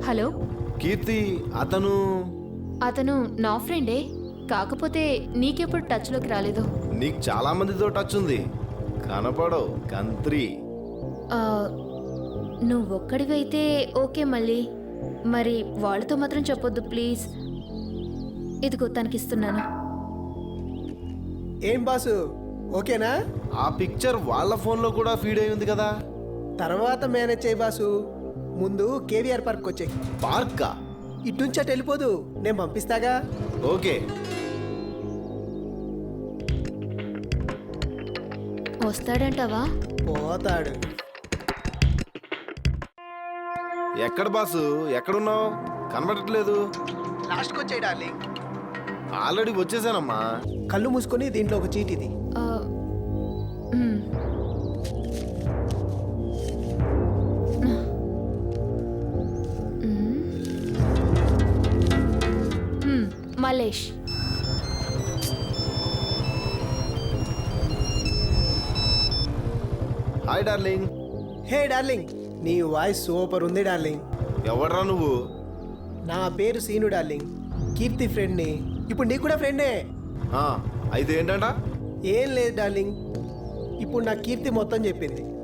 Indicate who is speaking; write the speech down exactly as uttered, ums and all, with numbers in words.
Speaker 1: Hello
Speaker 2: కీర్తి, అతను
Speaker 1: అతను నా ఫ్రెండే, కాకపోతే నీకెప్పుడు టచ్లోకి రాలేదు.
Speaker 2: నీకు చాలా మందితో టచ్ ఉంది, కనపడవు కంత్రి.
Speaker 1: ఆ, నువ్వొక్కడివైతే ఓకే. మళ్ళీ మరి వాళ్ళతో మాత్రం చెప్పొద్దు ప్లీజ్. ఇదిగో తనకిస్తున్నాను.
Speaker 3: ఏం బాసు, ఓకేనా?
Speaker 2: ఆ పిక్చర్ వాళ్ళ ఫోన్లో కూడా ఫీడ్ అయి ఉంది కదా.
Speaker 3: తర్వాత మేనేజ్ చేయి బాసు. ముందు కేవీఆర్ పార్క్ వచ్చాయి.
Speaker 2: పార్కా?
Speaker 3: ఇటు నుంచి అటు వెళ్ళిపోదు, నేను పంపిస్తాగా.
Speaker 2: ఓకే.
Speaker 1: వస్తాడంటావా?
Speaker 3: పోతాడు.
Speaker 2: ఎక్కడ బాసు, ఎక్కడున్నావు? కనబడట్లేదు.
Speaker 3: లాస్ట్కి వచ్చాయి డార్లింగ్.
Speaker 2: ఆల్రెడీ వచ్చేసానమ్మా.
Speaker 3: కళ్ళు మూసుకొని దీంట్లో ఒక చీటిది.
Speaker 1: ఆ, మ్. మ్. మ్, మలేష్.
Speaker 2: Hi darling.
Speaker 3: హే డార్లింగ్, నీ వాయిస్ సూపర్ ఉంది డార్లింగ్.
Speaker 2: ఎవడ్రా నువ్వు?
Speaker 3: నా పేరు సీను డార్లింగ్, కీర్తి ఫ్రెండ్ని. ఇప్పుడు నీకు కూడా ఫ్రెండే.
Speaker 2: ఆ, అయితే ఏంటంట?
Speaker 3: ఏం లేదు డార్లింగ్, ఇప్పుడు నా కీర్తి మొత్తం చెప్పింది.